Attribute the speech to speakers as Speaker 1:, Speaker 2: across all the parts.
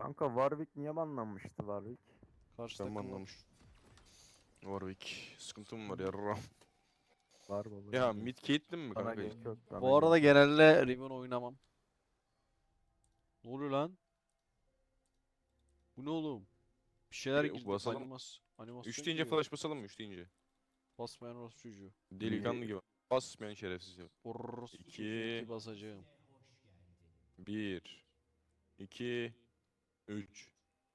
Speaker 1: Kanka Warwick niye banlanmıştı Warwick?
Speaker 2: Karşı
Speaker 3: Ben
Speaker 2: takım
Speaker 3: anlamış. Warwick. Sıkıntım var yarra.
Speaker 1: Var baba.
Speaker 3: Ya
Speaker 1: bilmiyorum.
Speaker 3: mid Caitlyn mi
Speaker 1: Bana
Speaker 3: kanka?
Speaker 1: gerek yok. Bana
Speaker 2: Bu arada
Speaker 1: gerek yok.
Speaker 2: genelde Riven oynamam. Ne oluyor lan? Bu ne oğlum? Bir şeyler girdi.
Speaker 3: Basalım.
Speaker 2: Animasyon
Speaker 3: 3 deyince
Speaker 2: giriyor.
Speaker 3: flash basalım mı? 3 deyince.
Speaker 2: Basmayan orospu çocuğu.
Speaker 3: Delikanlı gibi. Basmayan şerefsiz ya.
Speaker 2: Orospu çocuğu
Speaker 3: 2,
Speaker 2: ulti basacağım.
Speaker 3: 1, 2, 3.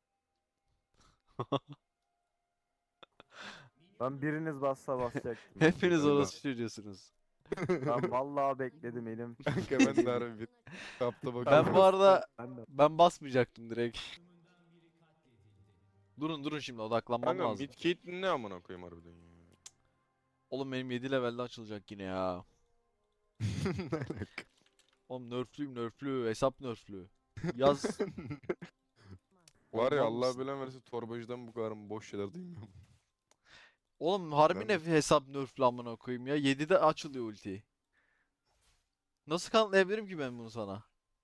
Speaker 1: Ben biriniz bassa basacaktım.
Speaker 2: Hepiniz
Speaker 3: Öyle.
Speaker 2: orospu çocuğusunuz.
Speaker 1: Ben vallahi bekledim elim.
Speaker 3: Kanka ben de harbi bir kapta bakıyorum.
Speaker 2: Ben bu arada
Speaker 1: Ben de.
Speaker 2: ben basmayacaktım direkt. Durun şimdi odaklanmam
Speaker 3: Kanka
Speaker 2: lazım.
Speaker 3: mid Caitlyn ne amına koyayım harbiden ya.
Speaker 2: Oğlum benim 7 levelde açılacak yine ya. Oğlum nerflü hesap nerflü. Yaz.
Speaker 3: Var
Speaker 2: Oğlum
Speaker 3: ya
Speaker 2: mal
Speaker 3: Allah
Speaker 2: mısın?
Speaker 3: bilen versin torbacıdan bu kadar boş şeyler duymuyorum.
Speaker 2: Oğlum harbi
Speaker 3: Ben-
Speaker 2: ne hesap nerflü amına koyayım ya. 7'de açılıyor ulti. Nasıl kanıtlayabilirim ki ben bunu sana?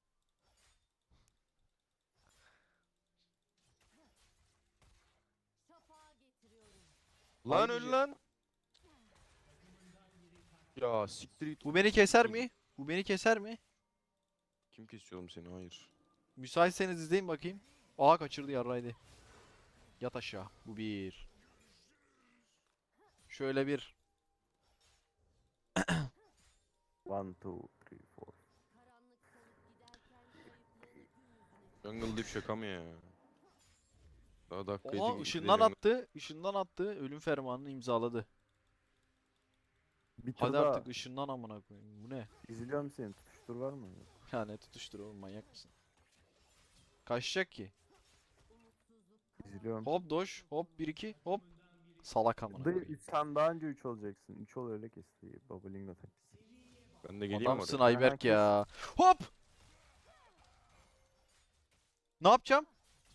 Speaker 3: Lan
Speaker 1: Harbi
Speaker 3: öl lan. Ya siktir git.
Speaker 2: Bu beni keser mi? Bu beni keser mi?
Speaker 3: Kim kesiyor oğlum seni? Hayır.
Speaker 2: Müsaitseniz izleyin bakayım. Aa kaçırdı yarraydı. Yat aşağı. Bu bir. Şöyle bir.
Speaker 1: One, two, three, four.
Speaker 3: Jungle Diff şaka mı ya? Daha dakika
Speaker 2: Oha
Speaker 3: 7
Speaker 2: ışından attı. Işından attı. Ölüm fermanını imzaladı.
Speaker 1: Bir tur
Speaker 2: Hadi
Speaker 1: daha
Speaker 2: artık ışından amına koyayım. Bu ne?
Speaker 1: izliyorum seni. Tutuştur var mı?
Speaker 2: Ya ne tutuştur oğlum manyak mısın? Kaçacak ki.
Speaker 1: İzliyorum.
Speaker 2: Hop doş. Hop 1-2. Hop. Salak amına koyayım.
Speaker 1: Sen daha önce 3 olacaksın. 3 ol öyle kesti. Babalingo taktiği.
Speaker 3: Ben de geleyim
Speaker 2: Adamsın
Speaker 3: oraya.
Speaker 2: Ayberk
Speaker 1: Aha,
Speaker 2: ya. Hop! Ne yapacağım?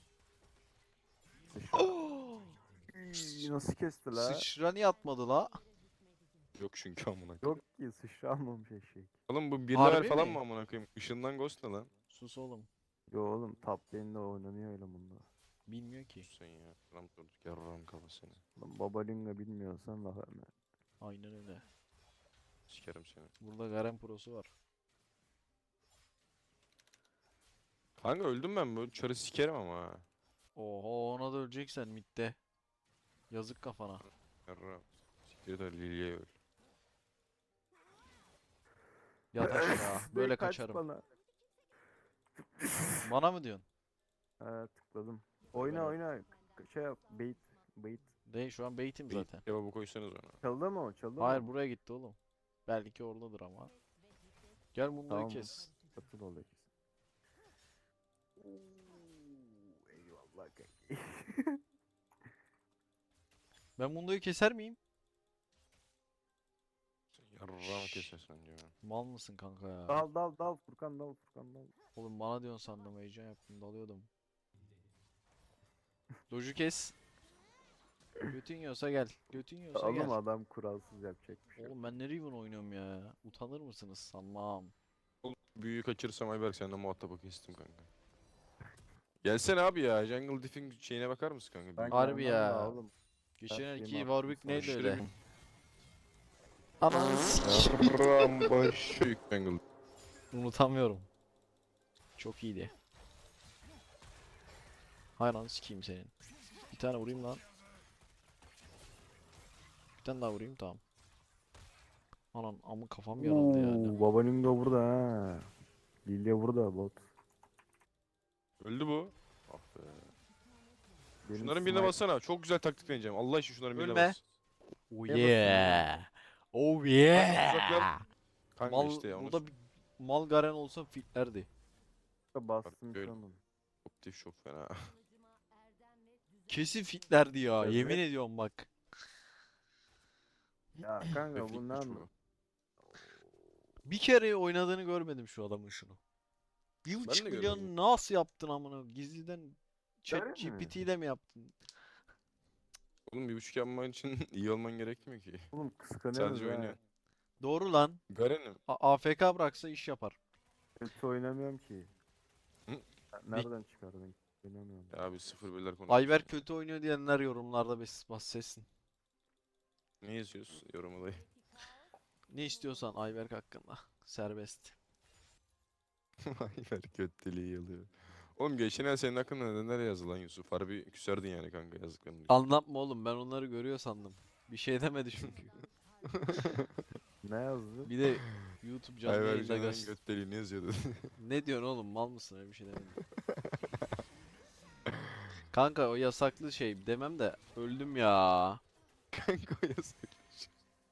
Speaker 1: Nasıl kesti la?
Speaker 2: Sıçra niye atmadı la?
Speaker 3: Yok çünkü amına koyayım.
Speaker 1: Yok ki sıçra almamış eşek.
Speaker 3: Oğlum bu 1
Speaker 2: Harbi
Speaker 3: level falan
Speaker 2: mi?
Speaker 3: mı amına koyayım? Işından Ghost ne lan?
Speaker 2: Sus oğlum.
Speaker 1: Yo oğlum top lane'de oynanıyor öyle bunda.
Speaker 2: Bilmiyor ki.
Speaker 3: Sus sen ya. Ram durduk yarram kafasını.
Speaker 1: Lan Babalingo bilmiyorsan daha ne?
Speaker 2: Aynen öyle.
Speaker 3: Sikerim seni.
Speaker 2: Burada Garen Pro'su var.
Speaker 3: Kanka öldüm ben bu çarı sikerim ama ha.
Speaker 2: Oho ona da öleceksen midde. Yazık kafana.
Speaker 3: Yarram. Siktir de Lily'ye öl.
Speaker 2: Yat aşağı. Böyle
Speaker 1: Kaç
Speaker 2: kaçarım.
Speaker 1: bana.
Speaker 2: Bana mı diyorsun?
Speaker 1: Ha tıkladım. Oyna oyna. Şey yap. Bait. Bait.
Speaker 2: Değil şu an baitim
Speaker 3: Bir
Speaker 2: zaten.
Speaker 3: kebabı koysanız ona.
Speaker 1: Çaldı mı o? Çaldı
Speaker 2: Hayır
Speaker 1: mı?
Speaker 2: buraya gitti oğlum. Belki oradadır ama. Gel Mundo'yu
Speaker 1: Tamam.
Speaker 2: kes.
Speaker 1: Katıl oluyor kesin. Eyvallah kanki.
Speaker 2: Ben Mundo'yu keser miyim?
Speaker 3: Sen yarram kesersen diyor.
Speaker 2: Mal mısın kanka ya?
Speaker 1: Dal dal dal Furkan dal Furkan dal.
Speaker 2: Oğlum bana diyorsun sandım heyecan yaptım dalıyordum. Doju kes. Götün yiyorsa gel. Götün yiyorsa
Speaker 1: Oğlum
Speaker 2: gel.
Speaker 1: adam kuralsız yapacak bir şey. yok.
Speaker 2: Oğlum ben ne Riven oynuyorum ya? Utanır mısınız? Sanmam.
Speaker 3: Oğlum büyüğü kaçırırsam Ayberk senden muhatap kestim kanka. Gelsene abi ya. Jungle Diff'in şeyine bakar mısın kanka?
Speaker 1: Ben
Speaker 2: Harbi
Speaker 1: gelmem
Speaker 2: ya.
Speaker 1: daha oğlum.
Speaker 2: Geçen
Speaker 1: şeyimi
Speaker 2: elki
Speaker 1: attım
Speaker 2: Warwick
Speaker 1: sana.
Speaker 2: neydi
Speaker 3: Aşırı
Speaker 2: öyle?
Speaker 3: bir-
Speaker 2: Ananı sikeyim.
Speaker 3: Yarram baş. Büyük Jungle.
Speaker 2: Unutamıyorum. Çok iyiydi. Hay lan sikeyim senin. Bir tane vurayım lan. Bir tane daha vurayım tamam. Anan amı kafam yarıldı yani.
Speaker 1: Babalingo burada ha. Lilya burada bot.
Speaker 3: Öldü bu. Ah be.
Speaker 1: Benim
Speaker 3: Şunların birine
Speaker 1: snipe-
Speaker 3: bassana. Çok güzel taktik deneyeceğim. Allah için şunların birine
Speaker 2: Ölme.
Speaker 3: bas.
Speaker 2: Oh
Speaker 1: Ne
Speaker 2: yeah. Oh
Speaker 3: Uzaklar.
Speaker 2: yeah.
Speaker 3: Kanka
Speaker 2: Mal
Speaker 3: işte ya. Onu
Speaker 2: burada bir mal Garen olsa fitlerdi.
Speaker 1: Bastım
Speaker 3: Öyle.
Speaker 1: şu an.
Speaker 3: Optif çok fena.
Speaker 2: Kesin fitlerdi ya.
Speaker 1: Evet.
Speaker 2: Yemin ediyorum bak.
Speaker 1: Ya kanka
Speaker 3: Reflik
Speaker 1: bundan
Speaker 3: bu.
Speaker 2: Bir kere oynadığını görmedim şu adamın şunu. Bir
Speaker 3: Ben
Speaker 2: buçuk
Speaker 3: de
Speaker 2: milyon
Speaker 3: görmedim.
Speaker 2: nasıl yaptın amına? Gizliden
Speaker 1: Öyle mi?
Speaker 2: ChatGPT ile mi yaptın?
Speaker 3: Oğlum 1.5 yapman için iyi olman gerekmiyor ki.
Speaker 1: oğlum kıskanıyoruz
Speaker 3: Sadece
Speaker 1: ha.
Speaker 3: oynuyor.
Speaker 2: Doğru lan.
Speaker 3: Garen'im.
Speaker 2: AFK bıraksa iş yapar.
Speaker 1: Kötü oynamıyorum ki.
Speaker 3: Hı?
Speaker 1: Nereden çıkardın? İnanıyorum.
Speaker 3: Ya abi sıfır birler konuşuyorsun.
Speaker 2: Ayberk kötü oynuyor diyenler yorumlarda bahsetsin.
Speaker 3: Ne yazıyorsun yorumu dayı?
Speaker 2: Ne istiyorsan Ayberk hakkında. Serbest.
Speaker 3: Ayberk kötülüğü yalıyor. Oğlum geçen ay senin hakkında neler yazdı lan Yusuf? Harbi küserdin yani kanka yazdıklarını.
Speaker 2: Anlatma oğlum, ben onları görüyor sandım. Bir şey demedi çünkü.
Speaker 1: Ne yazdı?
Speaker 2: Bir de YouTube canlı
Speaker 3: Ayberk
Speaker 2: yayında
Speaker 3: Canan'ın
Speaker 2: göster.
Speaker 3: götdeliği ne yazıyordu?
Speaker 2: Ne diyorsun oğlum, mal mısın, öyle bir şey demedim. Kanka o yasaklı şey demem de öldüm ya.
Speaker 3: Kanka o yazmış.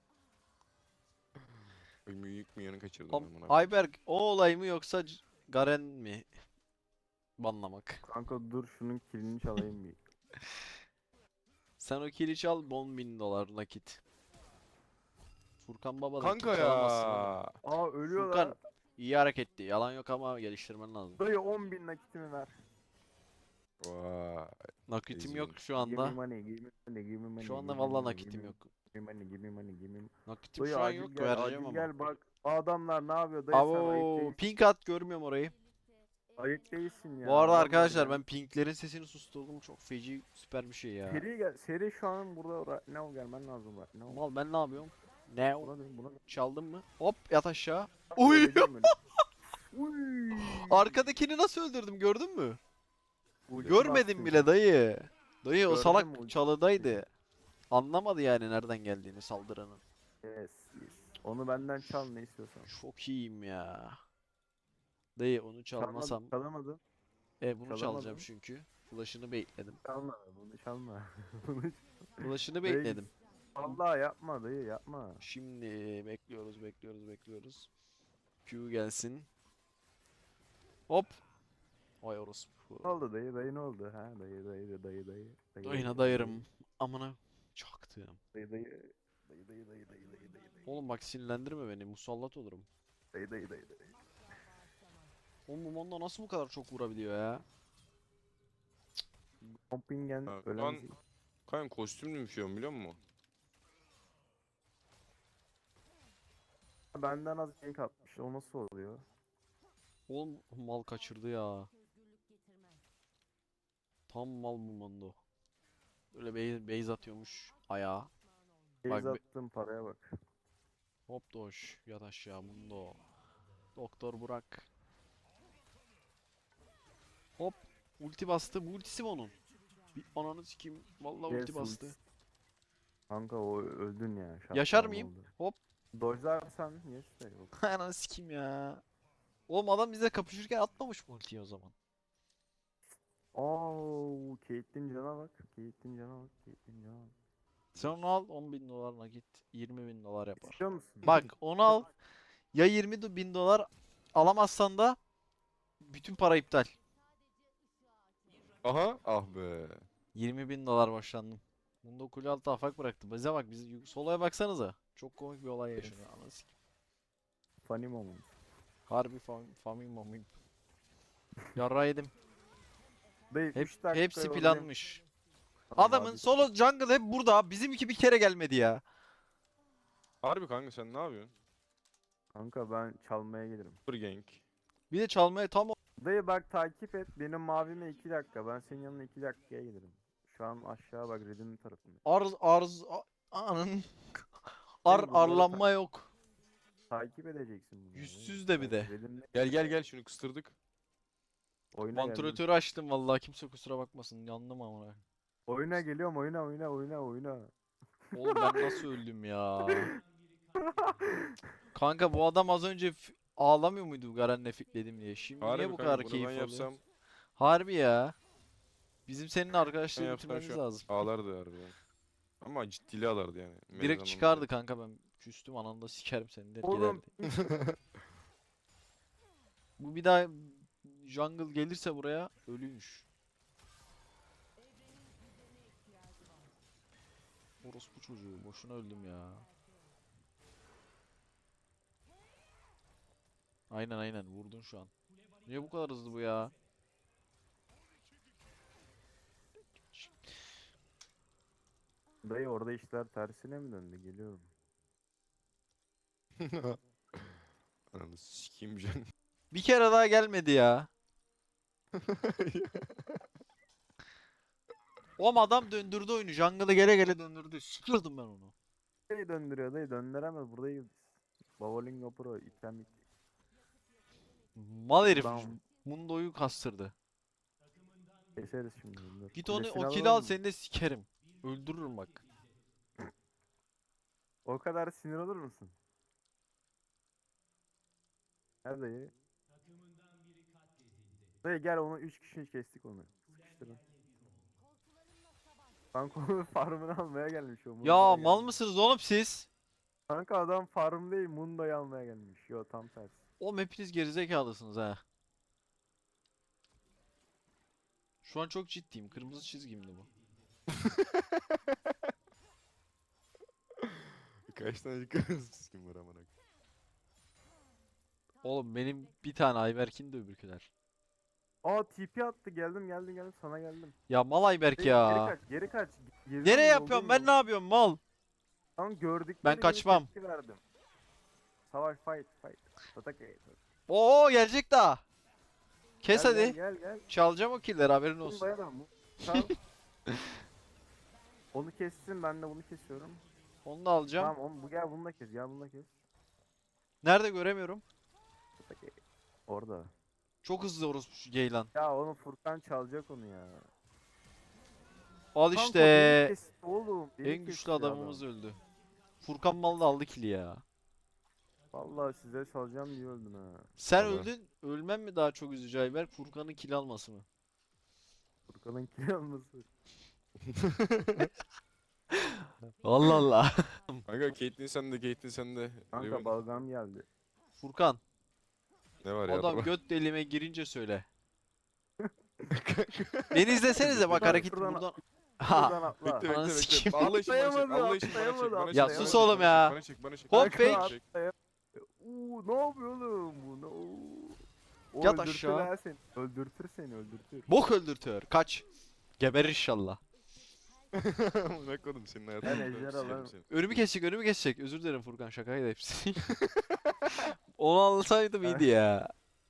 Speaker 3: Büyük milyonu kaçırdım
Speaker 2: Am-
Speaker 3: ben buna.
Speaker 2: Ayberk o olay mı yoksa Garen mi? Banlamak.
Speaker 1: Kanka dur şunun kilini çalayım bir.
Speaker 2: Sen o kili çal, 10.000 dolar nakit. Furkan Baba'dan
Speaker 3: Kanka
Speaker 2: kill çalamazsın oğlum.
Speaker 3: ya.
Speaker 1: Aa ölüyor
Speaker 2: Furkan
Speaker 1: lan.
Speaker 2: iyi hareketti. Yalan yok ama geliştirmen lazım.
Speaker 1: Dayı 10.000 nakitimi ver.
Speaker 3: Vay.
Speaker 2: Nakitim
Speaker 3: Eziyim.
Speaker 2: yok şu
Speaker 1: Give me
Speaker 2: anda.
Speaker 1: money, give me money, give me money.
Speaker 2: Şu anda
Speaker 1: give me
Speaker 2: vallahi
Speaker 1: money,
Speaker 2: nakitim
Speaker 1: give me-
Speaker 2: yok.
Speaker 1: Give me money, give me money, give me.
Speaker 2: Nakitim
Speaker 1: Dayı
Speaker 2: şu an
Speaker 1: acil
Speaker 2: yok,
Speaker 1: gel,
Speaker 2: vereceğim
Speaker 1: acil
Speaker 2: ama.
Speaker 1: gel bak. Adamlar ne yapıyor dayı sen ayık
Speaker 2: Abo
Speaker 1: değilsin.
Speaker 2: pink at, görmüyorum orayı.
Speaker 1: Ayık değilsin ya.
Speaker 2: Bu arada
Speaker 1: adamlar
Speaker 2: arkadaşlar
Speaker 1: gel-
Speaker 2: ben pinklerin sesini susturdum. Çok feci süper bir şey ya.
Speaker 1: Seri gel, seri şu an burada ne ol gelmen lazım bak. Ne ol?
Speaker 2: Mal ben ne yapıyorum? Ne o?
Speaker 1: Buna dön, buna dön.
Speaker 2: Çaldın mı? Hop yat aşağı. Uy!
Speaker 1: Öleceğim öyle. Uy!
Speaker 2: Arkadakini nasıl öldürdüm, gördün mü?
Speaker 1: Ulti
Speaker 2: Görmedim
Speaker 1: bastın.
Speaker 2: bile dayı. Dayı o
Speaker 1: Gördüm
Speaker 2: salak
Speaker 1: ulti.
Speaker 2: çalıdaydı. Anlamadı yani nereden geldiğini saldıranın.
Speaker 1: Yes, yes. Onu benden çal ne istiyorsan.
Speaker 2: Çok iyiyim ya. Dayı onu çalmasam.
Speaker 1: Çalamadım.
Speaker 2: Bunu
Speaker 1: çalamadım.
Speaker 2: çalacağım çünkü. Flash'ını baitledim.
Speaker 1: Çalma bunu çalma. Bunu
Speaker 2: Flash'ını
Speaker 1: Dayı,
Speaker 2: baitledim.
Speaker 1: Allah yapma dayı yapma.
Speaker 2: Şimdi bekliyoruz. Q gelsin. Hop. Vay orospu.
Speaker 1: Ne oldu dayı dayı ne oldu? Ha dayı.
Speaker 2: Dayına dayarım. Amına çaktım.
Speaker 1: Dayı.
Speaker 2: Oğlum bak sinirlendirme beni. Musallat olurum.
Speaker 1: Dayı.
Speaker 2: Oğlum bu Mondo nasıl bu kadar çok vurabiliyor ya?
Speaker 1: Kompingen
Speaker 3: Ha,
Speaker 1: ölen
Speaker 3: lan- Kanka kostümlü bir şey biliyor musun?
Speaker 1: benden az gank atmış. O nasıl oluyor?
Speaker 2: Oğlum mal kaçırdı ya. Tam mal bu Mondo. Böyle base atıyormuş ayağa. Bak
Speaker 1: Base attığım paraya bak.
Speaker 2: Hop doş. Yat aşağı Mondo. Doktor Burak. Hop. Ulti bastı. Bu ultisi mi onun? Bir ananı sikeyim. Vallahi
Speaker 1: Yes,
Speaker 2: ulti bastı.
Speaker 1: ultisi. Kanka o öldün ya.
Speaker 2: Yaşar
Speaker 1: şapkalı
Speaker 2: mıyım?
Speaker 1: oldu.
Speaker 2: Hop.
Speaker 1: Dodge'larsan yes de yok.
Speaker 2: Ananı sikeyim ya. Oğlum adam bize kapışırken atmamış mı ultiyi o zaman?
Speaker 1: Oo, Caitlyn cana bak. Caitlyn cana bak.
Speaker 2: Sen onu al, 10.000 dolar nakit 20.000 dolar yapar.
Speaker 1: İstiyor musun?
Speaker 2: Bak onu al, ya 20.000 dolar alamazsan da bütün para iptal.
Speaker 3: Aha ah be.
Speaker 2: 20.000 dolar başlandım. Bunda kule altı afak bıraktı. Bize bak, soloya baksanıza. Çok komik bir olay yaşanıyor. Anasını sikeyim.
Speaker 1: Funny moment.
Speaker 2: Harbi famim mamim. Yarra yedim.
Speaker 1: Dayı 3 dakika
Speaker 2: Hepsi
Speaker 1: yoldayım.
Speaker 2: planmış.
Speaker 1: Tamam
Speaker 2: Adamın
Speaker 1: abi.
Speaker 2: solo jungle hep burada. Bizimki bir kere gelmedi ya.
Speaker 3: Harbi kanka sen ne yapıyorsun?
Speaker 1: Kanka ben çalmaya gelirim.
Speaker 3: Super gank.
Speaker 2: Bir de çalmaya tam
Speaker 1: Dayı bak takip et. Benim mavime 2 dakika. Ben senin yanına 2 dakikaya gelirim. Şu an aşağı bak Red'in tarafında.
Speaker 2: anın
Speaker 1: bunları
Speaker 2: arlanma yok.
Speaker 1: Takip edeceksin bunu.
Speaker 2: Yüzsüz de bir de.
Speaker 3: Gel şunu kıstırdık.
Speaker 1: Oyuna geldim.
Speaker 2: Vantilatörü açtım vallahi, kimse kusura bakmasın. Yandım amına.
Speaker 1: Oyuna geliyorum oyuna.
Speaker 2: Oğlum ben nasıl öldüm ya? Kanka bu adam az önce ağlamıyor muydu Garen'le fitledim diye? Şimdi
Speaker 3: Harbi
Speaker 2: niye bu
Speaker 3: kanka
Speaker 2: kadar
Speaker 3: bunu
Speaker 2: keyif
Speaker 3: ben
Speaker 2: alıyor?
Speaker 3: yapsam
Speaker 2: Harbi ya. Bizim seninle
Speaker 3: ben
Speaker 2: arkadaşlığı
Speaker 3: yapsam
Speaker 2: bitirmemiz
Speaker 3: şu an
Speaker 2: lazım.
Speaker 3: ağlardı harbiden. Ama ciddili ağlardı yani.
Speaker 2: Direkt
Speaker 3: Mezanında.
Speaker 2: çıkardı kanka, ben küstüm, ananda sikerim seni der
Speaker 1: Oğlum.
Speaker 2: giderdi. Bu bir daha jungle gelirse buraya ölüymüş. Orospu çocuğu, boşuna öldüm ya. Aynen vurdun şu an. Niye bu kadar hızlı bu ya?
Speaker 1: Dayı orada işler tersine mi döndü? Geliyorum.
Speaker 3: Ananı sikeyim can.
Speaker 2: Bir kere daha gelmedi ya. O adam döndürdü oyunu. Jungle'ı gele gele döndürdü. Sıkıldım ben onu.
Speaker 1: Dayı döndürüyor dayı döndüremez buradayız. Bowling Pro item
Speaker 2: Mal herif.
Speaker 1: Down.
Speaker 2: Mundo'yu kastırdı.
Speaker 1: Keseriz şimdi bunları.
Speaker 2: Git onu
Speaker 1: Kulesini
Speaker 2: o kill
Speaker 1: alalım
Speaker 2: al
Speaker 1: mı?
Speaker 2: seni de sikerim. Öldürürüm bak.
Speaker 1: O kadar sinir olur musun? Gel dayı. Dayı gel onu 3 kişi kestik onu. Sıkıştırın. Kanka onun farmını almaya gelmiş o.
Speaker 2: Ya
Speaker 1: Mundo'ya
Speaker 2: mal
Speaker 1: gelmiş.
Speaker 2: mısınız oğlum siz?
Speaker 1: Kanka adam farm değil Mundo'yu almaya gelmiş. Yo tam tersi.
Speaker 2: Oğlum hepiniz gerizekalısınız ha. Şu an çok ciddiyim. Kırmızı çizgimdi bu.
Speaker 3: Kaç tane kırmızı kim var amına koyayım.
Speaker 2: Oğlum benim bir tane Ayberk'in de öbürküler.
Speaker 1: Aa TP attı geldim sana geldim.
Speaker 2: Ya mal Ayberk
Speaker 1: Dayı,
Speaker 2: ya.
Speaker 1: Geri kaç.
Speaker 2: Nereye yapıyorum ben ne yapıyorum mal?
Speaker 1: Tam gördük.
Speaker 2: Ben kaçmam.
Speaker 1: Verdim. Savaş fight. Atak.
Speaker 2: Oo gelecek daha. Kes
Speaker 1: Gel,
Speaker 2: hadi.
Speaker 1: Gel.
Speaker 2: Çalacağım o killleri haberin
Speaker 1: Bunu
Speaker 2: olsun.
Speaker 1: dayanamam. Tamam. Onu kessin ben de bunu kesiyorum.
Speaker 2: Onu da alacağım.
Speaker 1: Tamam bu gel bunu da kes. Gel bunu da kes.
Speaker 2: Nerede göremiyorum.
Speaker 1: Atak. Orada.
Speaker 2: Çok hızlı orospu şu Geylan.
Speaker 1: Ya onu Furkan çalacak onu ya.
Speaker 2: Al
Speaker 1: Kanka,
Speaker 2: işte.
Speaker 1: beni kesti oğlum. Beni
Speaker 2: En güçlü
Speaker 1: kesti adam.
Speaker 2: adamımız öldü. Furkan mal da aldı kili ya.
Speaker 1: Vallahi size çalacağım diye öldüm ha.
Speaker 2: Sen
Speaker 3: Vallahi.
Speaker 2: öldün. Ölmem mi daha çok üzücü Ayberk? Furkan'ın kill alması mı?
Speaker 1: Furkan'ın kill alması.
Speaker 2: Allah Allah.
Speaker 3: Kanka Caitlyn sende.
Speaker 1: Kanka
Speaker 3: Riven,
Speaker 1: balgam geldi.
Speaker 2: Furkan.
Speaker 3: ne var ya?
Speaker 2: Adam göt deliğime girince söyle. Beni izlesenize bak
Speaker 1: Şuradan-
Speaker 2: hareketi
Speaker 1: şuradan-
Speaker 2: buradan.
Speaker 1: Şuradan
Speaker 2: Ha.
Speaker 1: atla.
Speaker 3: Bekle
Speaker 2: Ananı
Speaker 3: bekle
Speaker 2: sikeyim.
Speaker 3: bekle. Allah için bana çek.
Speaker 1: Atlayamadı,
Speaker 3: Allah için bana çek.
Speaker 1: atlayamadı,
Speaker 3: Bana çek.
Speaker 2: Ya
Speaker 3: bana
Speaker 2: sus
Speaker 3: çek,
Speaker 2: oğlum
Speaker 3: bana
Speaker 2: ya.
Speaker 3: çek, Bana çek bana çek.
Speaker 2: Hop
Speaker 3: Bana çek, bana
Speaker 2: fake.
Speaker 3: çek.
Speaker 1: Ne yapıyor oğlum bu? O
Speaker 2: Yat
Speaker 1: öldürtür
Speaker 2: aşağı.
Speaker 1: ha seni. Öldürtür seni öldürtür.
Speaker 2: Bok öldürtüyor. Kaç. Geberir inşallah.
Speaker 3: Ne koydum senin
Speaker 1: Ben
Speaker 3: hayatını.
Speaker 1: ejder alırım.
Speaker 2: Önümü kesecek. Özür dilerim Furkan şakaydı hepsi. Onu anlasaydım iyiydi ya.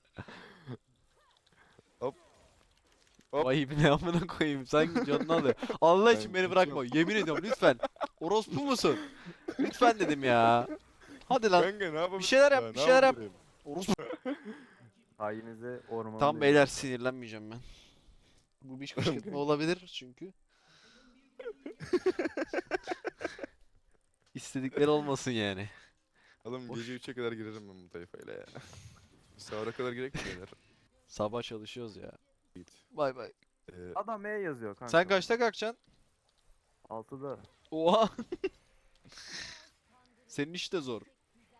Speaker 3: Hop. Hop.
Speaker 2: Vay ne amına koyayım sanki canını alıyor. Allah için
Speaker 3: Ben
Speaker 2: beni bırakma. Yemin ediyorum lütfen. Orospu musun? Lütfen dedim ya. Hadi lan.
Speaker 3: Kanka ne yapabilirim?
Speaker 2: Bir şeyler yap,
Speaker 3: ya,
Speaker 2: bir
Speaker 3: ne
Speaker 2: şeyler yap.
Speaker 3: yapabilirim?
Speaker 2: Orospu.
Speaker 1: Hainize ormanı
Speaker 2: Tamam beyler sinirlenmeyeceğim ben. Bu bir kışkırtma olabilir çünkü. İstedikleri olmasın yani.
Speaker 3: Oğlum
Speaker 2: Boş.
Speaker 3: gece 3'e kadar girerim ben bu tayfayla ya. Sahura kadar gerek mi beyler?
Speaker 2: Sabah çalışıyoruz ya.
Speaker 3: Git.
Speaker 2: Bay bay.
Speaker 1: Adam E yazıyor kanka.
Speaker 2: Sen kaçta kalkacaksın?
Speaker 1: 6'da.
Speaker 2: Oha. Senin iş de zor.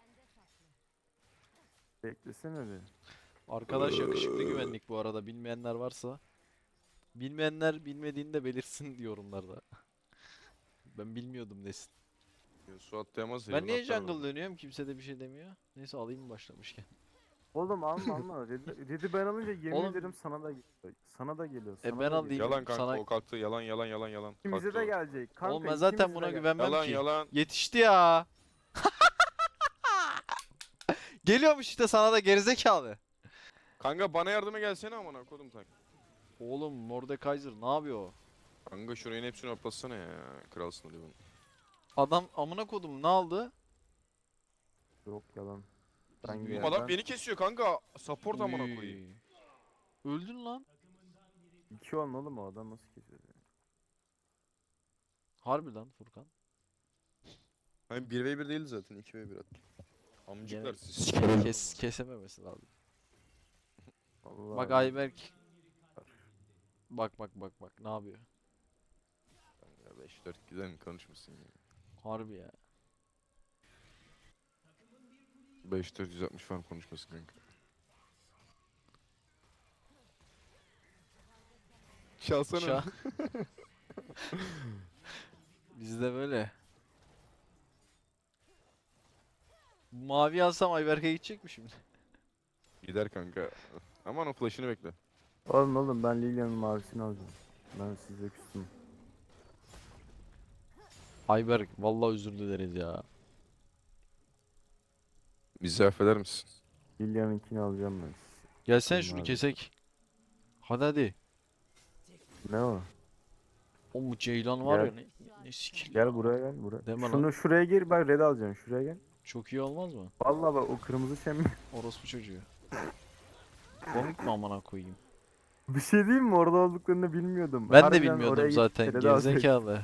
Speaker 1: Beklesene bir.
Speaker 2: Arkadaş yakışıklı güvenlik bu arada. Bilmeyenler varsa. Bilmeyenler bilmediğini de belirsin yorumlarda. Ben bilmiyordum desin.
Speaker 3: Su atlayamaz ya.
Speaker 2: Ben niye
Speaker 3: atlar
Speaker 2: jungle
Speaker 3: orada.
Speaker 2: dönüyorum? Kimse de bir şey demiyor. Neyse alayım mı başlamışken.
Speaker 1: Oğlum alma. Dedi ben alınca yemin
Speaker 2: Oğlum-
Speaker 1: ederim sana da geliyor. Sana da geliyor.
Speaker 2: E
Speaker 1: sana
Speaker 2: ben
Speaker 1: da
Speaker 2: alayım.
Speaker 1: geliyor.
Speaker 3: Yalan kanka
Speaker 2: Sana-
Speaker 3: o kalktı. Yalan.
Speaker 1: İkimize
Speaker 3: Kalktı
Speaker 1: de
Speaker 3: o.
Speaker 1: gelecek. Kanka,
Speaker 2: Oğlum ben zaten
Speaker 1: ikimize de
Speaker 2: buna
Speaker 1: gelecek.
Speaker 2: güvenmem
Speaker 3: Yalan
Speaker 2: ki.
Speaker 3: yalan.
Speaker 2: Yetişti ya. Geliyormuş işte sana da gerizekalı.
Speaker 3: Kanka bana yardıma gelsene amına kodum tak.
Speaker 2: Oğlum Mordekaiser ne yapıyor?
Speaker 3: Kanka şurayın hepsini hoplasana ya. Kralsın hadi bunu.
Speaker 2: Adam amına kodum ne aldı?
Speaker 1: Yok yalan. Ben
Speaker 2: Oğlum
Speaker 3: Oğlum
Speaker 1: yerden-
Speaker 3: adam beni kesiyor kanka. Support amına koyayım.
Speaker 2: Uy. Öldün lan.
Speaker 1: 2 olma oğlum o adam nasıl kesiyor?
Speaker 2: Harbi lan Furkan.
Speaker 3: Hani 1v1 değildi zaten 2v1 attım. Amcıklar
Speaker 2: Gene-
Speaker 3: siz.
Speaker 2: Kesememesi lazım.
Speaker 1: Vallahi
Speaker 2: Bak
Speaker 1: ben-
Speaker 2: Ayberk. Bak ne yapıyor?
Speaker 3: Ya 5-4 güzel konuşmuşsun ya.
Speaker 2: Harbi ya.
Speaker 3: 5-460 falan konuşmasın kanka. Çalsana.
Speaker 2: Ça- Bizde böyle. Mavi alsam Ayberk'e gidecek mi şimdi?
Speaker 3: Gider kanka. Aman o flash'ını bekle.
Speaker 1: Oğlum ben Lilian'ın mavisini alacağım. Ben size küstüm.
Speaker 2: Ayberk vallahi özür dileriz ya.
Speaker 3: Bizi affeder misin?
Speaker 1: Lilian'ınkini alacağım ben.
Speaker 2: Gelsene
Speaker 1: Tamam
Speaker 2: şunu
Speaker 1: abi.
Speaker 2: kesek. Hadi hadi.
Speaker 1: Ne o?
Speaker 2: O mu Ceylan var ya
Speaker 1: Gel.
Speaker 2: ne skill.
Speaker 1: Gel buraya gel buraya.
Speaker 2: Deme lan.
Speaker 1: Şunu şuraya gir bak red alacaksın şuraya gel.
Speaker 2: Çok iyi olmaz mı?
Speaker 1: Vallahi bak o kırmızı şem.
Speaker 2: Orospu çocuğu. Komik mi amına koyayım?
Speaker 1: Bir şey diyeyim mi? Orada olduklarını bilmiyordum.
Speaker 2: Ben de
Speaker 1: Harbiden
Speaker 2: bilmiyordum
Speaker 1: oraya
Speaker 2: zaten.
Speaker 1: gidip red alacaksın.
Speaker 2: Gerizekalı.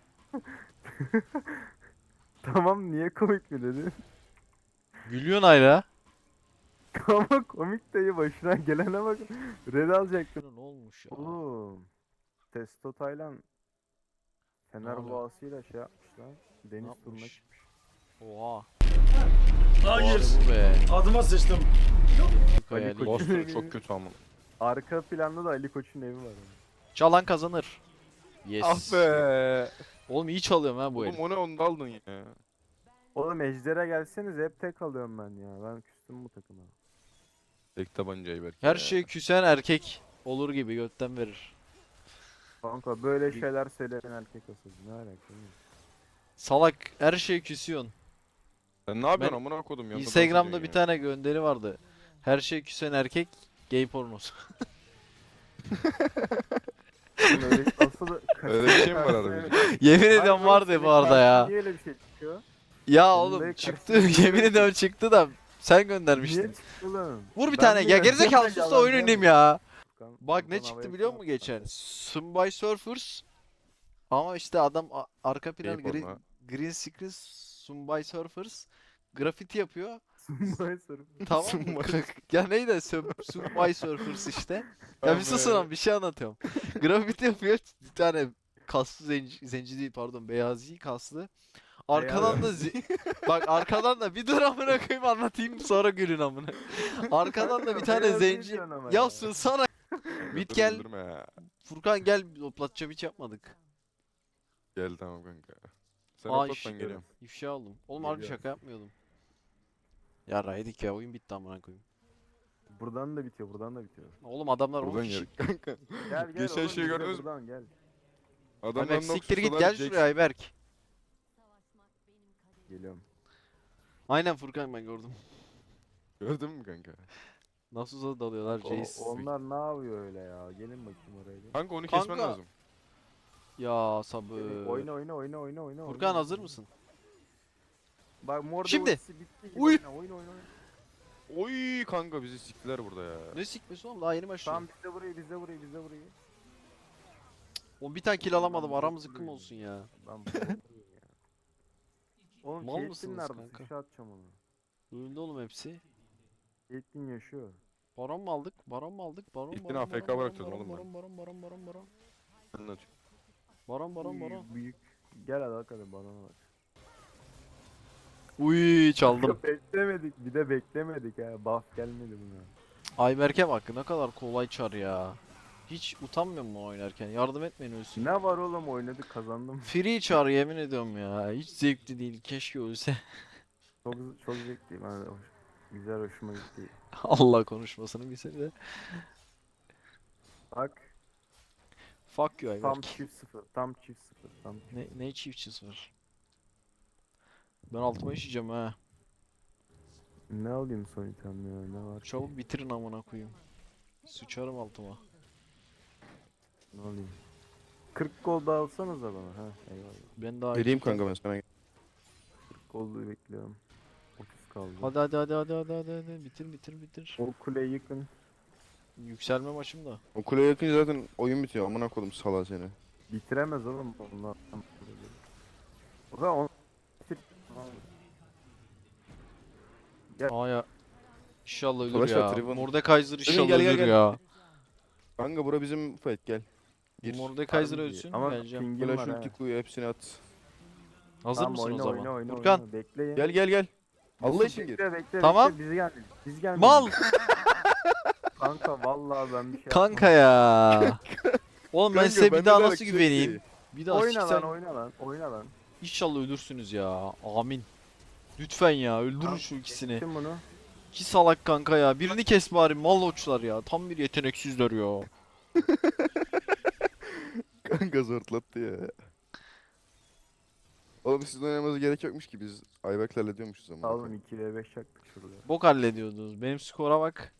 Speaker 1: Tamam niye komik mi dedin?
Speaker 2: Gülüyorsun hala.
Speaker 1: Ama komik dayı başına gelene bak. Red alacaktım.
Speaker 2: Ne olmuş ya?
Speaker 1: Oğlum. Testo Taylan Fener
Speaker 2: oluyor?
Speaker 1: boğasıyla şey yapmış lan. Deniz turuna
Speaker 2: yapmış?
Speaker 1: çıkmış.
Speaker 2: Oha.
Speaker 4: Hayır.
Speaker 2: Bu be.
Speaker 4: Adıma sıçtım.
Speaker 2: Hayali.
Speaker 1: Koç-
Speaker 3: Boston çok kötü ama.
Speaker 1: Arka planda da Ali Koç'un evi var.
Speaker 2: Çalan kazanır. Yes.
Speaker 3: Ah be.
Speaker 2: Oğlum iyi çalıyorum ha bu
Speaker 3: Oğlum
Speaker 2: herif.
Speaker 3: o ne onu da aldın ya.
Speaker 1: Oğlum Ejder'e gelseniz hep tek alıyorum ben ya. Ben küstüm bu takıma.
Speaker 3: Tek tabancayı belki.
Speaker 2: Her şey küsen erkek olur gibi götten verir.
Speaker 1: Kanka böyle şeyler söyleyen erkek asıl. Ne alaka?
Speaker 2: Salak her şey küsüyorsun.
Speaker 3: Sen ne yapıyorsun
Speaker 2: Ben
Speaker 3: amına kodum ya?
Speaker 2: Instagram'da bir tane gönderi vardı. Her şey küsen erkek gay pornosu.
Speaker 1: Oğlum öyle asıl
Speaker 3: Öyle bir şey mi var arada?
Speaker 2: Yemin
Speaker 1: Hayır
Speaker 2: ediyorum
Speaker 1: oğlum,
Speaker 2: vardı
Speaker 1: senin
Speaker 2: bu arada ya.
Speaker 1: karşına Niye öyle bir şey çıkıyor?
Speaker 2: Ya
Speaker 1: Senin
Speaker 2: oğlum
Speaker 1: de
Speaker 2: çıktı.
Speaker 1: karşına
Speaker 2: Yemin ediyorum çıktı da sen göndermiştin.
Speaker 1: Niye çıktı oğlum?
Speaker 2: Vur bir
Speaker 1: Ben
Speaker 2: tane.
Speaker 1: mi
Speaker 2: Ya
Speaker 1: ya?
Speaker 2: gerizekalı sus da oyun oynayayım ya.
Speaker 1: Furkan-
Speaker 2: Bak ne
Speaker 1: Furkan
Speaker 2: çıktı
Speaker 1: havaya
Speaker 2: biliyor musun
Speaker 1: fırlat
Speaker 2: geçen?
Speaker 1: kanka.
Speaker 2: Subway Surfers. Ama işte adam arka plan
Speaker 3: Gay porno.
Speaker 2: green screen Subway Surfers grafiti yapıyor.
Speaker 1: Sunmay soru.
Speaker 2: Tamam mı? Ya neydi? Subway Surfers işte. Ya bir susun lan bir şey anlatıyorum. Grafiti yapıyor. Bir tane kaslı zenci değil pardon beyazi kaslı. Arkadan da bak arkadan da bir dur amına koyayım anlatayım sonra gülün amına. Arkadan da bir tane
Speaker 1: Beyaz
Speaker 2: zenci.
Speaker 1: değilsin ama
Speaker 2: Ya
Speaker 1: ya.
Speaker 2: sussana. Bit
Speaker 3: Dur,
Speaker 2: gel.
Speaker 3: güldürme ya.
Speaker 2: Furkan gel hoplatça hiç yapmadık.
Speaker 3: Gel tamam kanka. Sen
Speaker 2: Aa,
Speaker 3: hoplat ben
Speaker 2: işte.
Speaker 3: geliyorum.
Speaker 2: İfşa oldum. Oğlum harbi
Speaker 1: Geliyorum.
Speaker 2: şaka yapmıyordum. Ya raydik ya oyun bitti amına koyayım.
Speaker 1: Buradan da bitiyor, buradan da bitiyor.
Speaker 2: Oğlum adamlar 10
Speaker 3: Buradan
Speaker 2: kişi.
Speaker 3: gel kanka.
Speaker 1: Gel gel
Speaker 3: Geçen
Speaker 1: oğlum,
Speaker 3: şeyi
Speaker 1: biz de
Speaker 3: gördünüz mü?
Speaker 1: Buradan gel.
Speaker 3: Adamlar
Speaker 2: Ayberk siktir git gel şuraya Ayberk.
Speaker 1: Geliyorum.
Speaker 2: Aynen Furkan ben gördüm.
Speaker 3: Gördün mü kanka?
Speaker 2: Nasıl uzadı dalıyorlar Jace.
Speaker 1: Onlar ne yapıyor öyle ya? Gelin bakayım oraya. Gel.
Speaker 3: Kanka onu kesmen
Speaker 2: Kanka.
Speaker 3: lazım.
Speaker 2: Ya sabır.
Speaker 1: Oyna oyna oyna oyna oyna.
Speaker 2: Furkan
Speaker 1: oyna.
Speaker 2: hazır mısın?
Speaker 1: Bak mor
Speaker 2: Şimdi.
Speaker 1: ultisi bitti. gibi
Speaker 3: Uy.
Speaker 1: Oyna oyna oyna.
Speaker 3: Oy kanka bizi siktiler burada ya.
Speaker 2: Ne sikmesi oğlum daha yeni başladı.
Speaker 1: Tamam biz de burayı biz de burayı biz de burayı.
Speaker 2: Oğlum bir tane kill alamadım
Speaker 1: Ben
Speaker 2: aramız
Speaker 1: burayı-
Speaker 2: yıkım olsun ya.
Speaker 1: Ben burayı ya. Oğlum
Speaker 2: Mal
Speaker 1: Caitlyn
Speaker 2: mısınız
Speaker 1: nerede?
Speaker 2: kanka?
Speaker 1: Sıçra atacağım onu.
Speaker 2: Öldü oğlum hepsi.
Speaker 1: Caitlyn yaşıyor.
Speaker 2: Baron mu aldık? Baron mu aldık? Baron
Speaker 3: İlk
Speaker 2: baron
Speaker 3: yine AFK
Speaker 2: baron
Speaker 3: bırakıyordum
Speaker 2: baron
Speaker 3: oğlum
Speaker 2: baron baron baron baron baron
Speaker 3: Anlatıyorum.
Speaker 2: baron
Speaker 1: Uy,
Speaker 2: baron.
Speaker 1: Büyük. Gel hadi bakalım bana bak.
Speaker 2: Uy çaldım.
Speaker 1: Beklemedik bir de beklemedik ha. Buff gelmedi buna.
Speaker 2: Ayberk'e bak ne kadar kolay çar ya. Hiç utanmıyor mu oynarken? Yardım etmeyin ölsün.
Speaker 1: Ne var oğlum oynadık kazandım.
Speaker 2: Free çar yemin ediyorum ya. Hiç zevkli değil. Keşke ölse.
Speaker 1: Çok çok zevkli. Ben güzel hoşuma gitti.
Speaker 2: Allah konuşmasını bilse de.
Speaker 1: Bak
Speaker 2: Fuck you
Speaker 1: tam
Speaker 2: Ayberk.
Speaker 1: çift sıfır. Tam çift sıfır. Tam çift.
Speaker 2: Ne çiftçisi var? Ben altıma işeyeceğim ha.
Speaker 1: Ne alayım son item ya ne var?
Speaker 2: Çabuk bitirin amına koyayım. Sıçarım altıma.
Speaker 1: Ne alayım? 40 gol da alsanıza bana ha. Eyvallah.
Speaker 2: Ben daha
Speaker 3: Vereyim
Speaker 2: iki-
Speaker 3: kanka ben sana.
Speaker 1: 40 golü bekliyorum. 30 kaldı.
Speaker 2: Hadi bitir.
Speaker 1: O kuleyi yıkın.
Speaker 2: Yükselme maçım da.
Speaker 3: O kuleye yakınca zaten oyun bitiyor. Amına kodum sala seni.
Speaker 1: Bitiremez oğlum onlar. O zaman on... bitir.
Speaker 2: Aa ya. İnşallah ölür
Speaker 3: Savaş var,
Speaker 2: ya.
Speaker 3: Tribune.
Speaker 2: Mordekaiser inşallah
Speaker 3: gel, gel,
Speaker 2: ölür
Speaker 3: gel.
Speaker 2: ya.
Speaker 3: Kanka bura bizim fight gel. Gir.
Speaker 2: Mordekaiser
Speaker 1: Harbi
Speaker 2: ölsün
Speaker 1: Ama
Speaker 2: geleceğim.
Speaker 1: pingim
Speaker 3: Flash
Speaker 1: var ha.
Speaker 3: ulti kuyu hepsini at.
Speaker 2: Hazır
Speaker 1: Tamam,
Speaker 2: mısın
Speaker 1: oyna,
Speaker 2: o zaman?
Speaker 1: Oyna, oyna,
Speaker 2: Furkan.
Speaker 1: oyna. Bekleyin.
Speaker 3: Gel gel gel. Allah için gir.
Speaker 1: Bekle bekle
Speaker 2: Tamam.
Speaker 1: bekle biz geldik. Biz geldik.
Speaker 2: Mal
Speaker 1: Kanka vallahi ben bir şey
Speaker 2: kanka
Speaker 1: yapmam.
Speaker 2: ya. Oğlum ben
Speaker 3: Kanka,
Speaker 2: size bir
Speaker 3: bende
Speaker 2: daha
Speaker 3: de
Speaker 2: nasıl
Speaker 3: alakası yok
Speaker 2: güveneyim?
Speaker 3: ki.
Speaker 2: Bir daha
Speaker 1: Oyna
Speaker 2: siksen
Speaker 1: lan oyna lan oyna lan.
Speaker 2: inşallah ölürsünüz ya. Amin. Lütfen ya öldürün
Speaker 1: Tamam,
Speaker 2: şu ikisini.
Speaker 1: Geçtim bunu.
Speaker 2: İki salak kanka ya. Birini kes bari mal uçlar ya. Tam bir yeteneksizler ya.
Speaker 3: Kanka zortlattı ya. Oğlum sizin oynamanıza gerek yokmuş ki biz Ayberk'le hallediyormuşuz ama.
Speaker 1: Oğlum 2v5 yaktık şurada.
Speaker 2: Bok hallediyordunuz. Benim skora bak.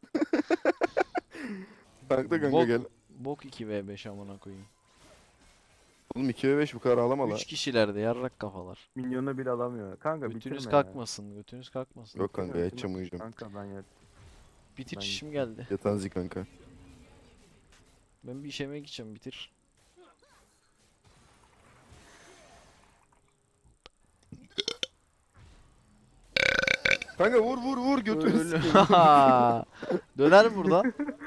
Speaker 3: Kanka kanka
Speaker 2: Bok,
Speaker 3: gel.
Speaker 2: bok 2v5 amına koyayım.
Speaker 5: Oğlum 2 ve 5 bu kadar ağlama la.
Speaker 2: 3 kişilerdi yarrak kafalar.
Speaker 1: Minyonu bile alamıyor. Kanka
Speaker 2: Götünüz
Speaker 1: bitirme ya.
Speaker 2: kalkmasın, götünüz kalkmasın.
Speaker 5: Yok kanka
Speaker 1: Bitirme,
Speaker 5: yatacağım
Speaker 1: bitirme.
Speaker 5: uyuyacağım.
Speaker 1: Kanka ben yat.
Speaker 2: Bitir
Speaker 1: ben-
Speaker 2: işim geldi.
Speaker 5: Yatanzi kanka.
Speaker 2: Ben bir işeme gideceğim bitir.
Speaker 5: Kanka vur vur vur götünü
Speaker 2: Öyle-
Speaker 5: sikeyim.
Speaker 2: Döner mi buradan?